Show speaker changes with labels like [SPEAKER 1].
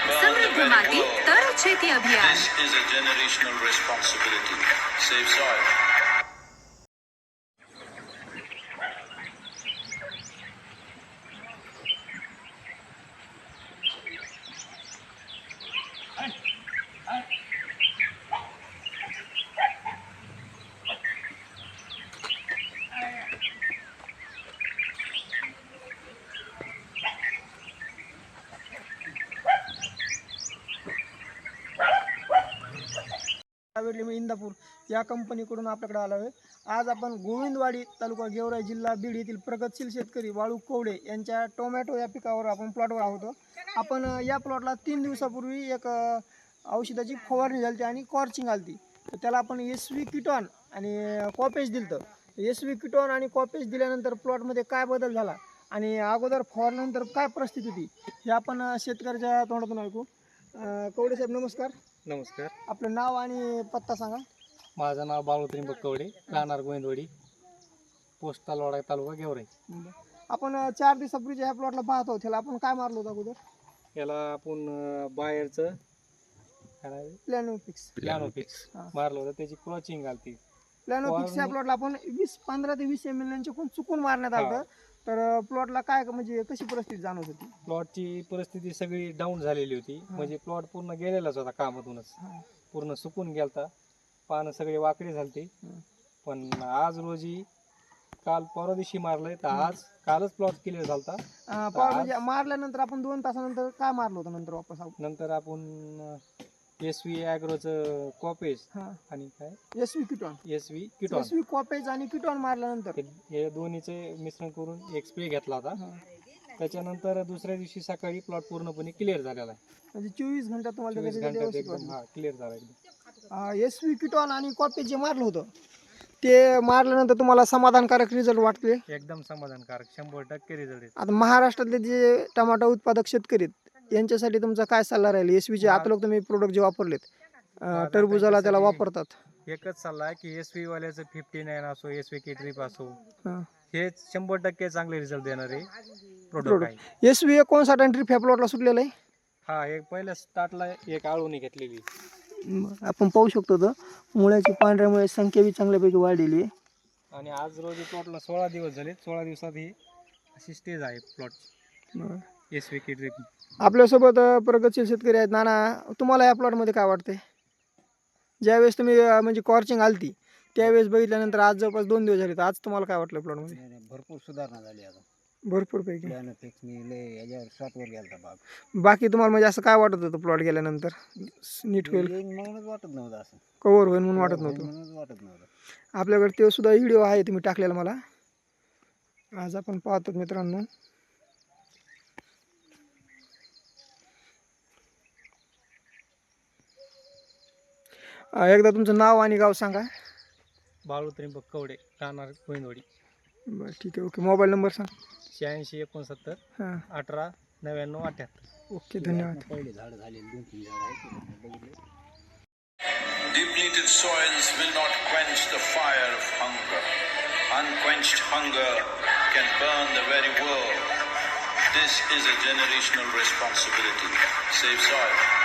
[SPEAKER 1] समृद्ध माती तर शेती अभियान.
[SPEAKER 2] This is a generational responsibility. Save soil.
[SPEAKER 3] मी इंदापूर या कंपनीकडून आपल्याकडे आलो आहे. आज आपण गोविंदवाडी तालुका गेवराई जिल्हा बीड येथील प्रगतशील शेतकरी वाळू कवडे यांच्या टोमॅटो या पिकावर आपण प्लॉटवर आहोत. आपण या प्लॉटला 3 दिवसापूर्वी एक औषधाची फवारणी झाली आणि कॉर्चिंग आली. तर त्याला आपण SV किटॉन आणि कॉपेज दिलं. SV किटॉन आणि कॉपेज दिल्यानंतर प्लॉटमध्ये काय बदल झाला आणि अगोदर फवारल्यानंतर काय परिस्थिती होती हे आपण शेतकऱ्याच्या तोंडातून ऐकू. कवडे साहेब नमस्कार.
[SPEAKER 4] नमस्कार.
[SPEAKER 3] आपलं नाव आणि पत्ता सांगा.
[SPEAKER 4] माझं नाव बाळू त्रिंबक कवडे, राहणार गोविंदवाडी, पोस्ट तालवाडा, तालुका गेवराई.
[SPEAKER 3] आपण 4 दिवसापूर्वी ह्या प्लॉटला पाहत आहोत. त्याला आपण काय मारलं होतं अगोदर?
[SPEAKER 4] याला आपण बाहेरचं
[SPEAKER 3] प्लॅनोफिक्स
[SPEAKER 4] मारलं होतं. त्याची क्रॉचिंग आलती.
[SPEAKER 3] प्लॅनोफिक्स या प्लॉटला आपण 15 ते 20 ml चुकून मारण्यात आलं. तर प्लॉटला काय म्हणजे कशी परिस्थिती जाणवत होती?
[SPEAKER 4] प्लॉटची परिस्थिती सगळी डाऊन झालेली होती. म्हणजे प्लॉट पूर्ण गेलेलाच होता कामातूनच, पूर्ण सुकून गेलता. पानं सगळे वाकडे झालते. पण आज रोजी काल परवा दिवशी मारलंय, तर कालच प्लॉट क्लिअर झालता.
[SPEAKER 3] म्हणजे मारल्यानंतर आपण 2 तासानंतर काय मारलं होतं नंतर वापस?
[SPEAKER 4] नंतर आपण SV ॲग्रोचं कॉपेज आणि काय
[SPEAKER 3] SV किटॉन कॉपेज आणि किटॉन मारल्यानंतर
[SPEAKER 4] हे दोन्हीचे मिश्रण करून एक स्प्रे घेतला होता. त्याच्यानंतर दुसऱ्या दिवशी सकाळी प्लॉट पूर्णपणे क्लिअर झालेला आहे.
[SPEAKER 3] म्हणजे 24 घंट्यात तुम्हाला
[SPEAKER 4] एकदम क्लिअर झाला एकदम.
[SPEAKER 3] SV किटॉन आणि कॉपेज जे मारलं होतं ते मारल्यानंतर तुम्हाला समाधानकारक रिझल्ट वाटते?
[SPEAKER 4] एकदम समाधानकारक, 100% रिझल्ट.
[SPEAKER 3] आता महाराष्ट्रातले जे टमाटा उत्पादक शेतकरी आहेत यांच्यासाठी तुमचा काय सल्ला राहील? SVचे आता लोक तुम्ही प्रोडक्ट जे वापरलेत टरबुजाला त्याला वापरतात,
[SPEAKER 4] एकच सल्ला आहे की SV वाल्याचं 59 असो, SV K-Trip असो, हे 100% चांगले रिझल्ट देणारे प्रोडक्ट आहे.
[SPEAKER 3] SV 59 आणि ट्रिप ह्या प्लॉटला सुटलेलं आहे.
[SPEAKER 4] हा, एक पहिल्या स्टार्टला एक आळूनी घेतलेली.
[SPEAKER 3] आपण पाहू शकतो तर मुळ्याची पांढऱ्यामुळे संख्या बी चांगल्यापैकी वाढलेली आहे.
[SPEAKER 4] आणि आज रोजी प्लॉटला 16 दिवस झाले. 16 दिवसात ही अशी स्टेज आहे प्लॉट SV K-Trip.
[SPEAKER 3] आपल्यासोबत प्रगतशील शेतकरी आहेत. नाना, तुम्हाला या प्लॉटमध्ये काय वाटते? ज्यावेळेस तुम्ही म्हणजे कॉर्चिंग आलती त्यावेळेस बघितल्यानंतर आज जवळपास 2 दिवस झाले, तर आज तुम्हाला काय वाटलं प्लॉटमध्ये?
[SPEAKER 5] भरपूर सुधारणा झाली. आता
[SPEAKER 3] भरपूर पैकी
[SPEAKER 5] याच्यावर 7 वर गेला बाग.
[SPEAKER 3] बाकी तुम्हाला म्हणजे असं काय वाटत होतं प्लॉट गेल्यानंतर नीट होईल
[SPEAKER 5] म्हणूनच वाटत नव्हतं, असं
[SPEAKER 3] कव्हर होईल म्हणून वाटत नव्हतं. आपल्याकडे ते सुद्धा व्हिडिओ आहे तुम्ही टाकलेला मला. आज आपण पाहतो मित्रांनो. एकदा तुमचं नाव आणि गाव सांगा.
[SPEAKER 4] बाळू त्रिंबक कवडे, राहणार गोविंदवाडी.
[SPEAKER 3] बरं, ठीक आहे. ओके. मोबाईल नंबर सांग.
[SPEAKER 4] 86 69 18 99 78.
[SPEAKER 3] ओके, धन्यवाद.
[SPEAKER 5] पहिले झाड झालेले 2-3 झाड आहेत.
[SPEAKER 2] Depleted soils will not quench the fire of hunger. Unquenched hunger can burn the very world. This is a generational responsibility. Save soil.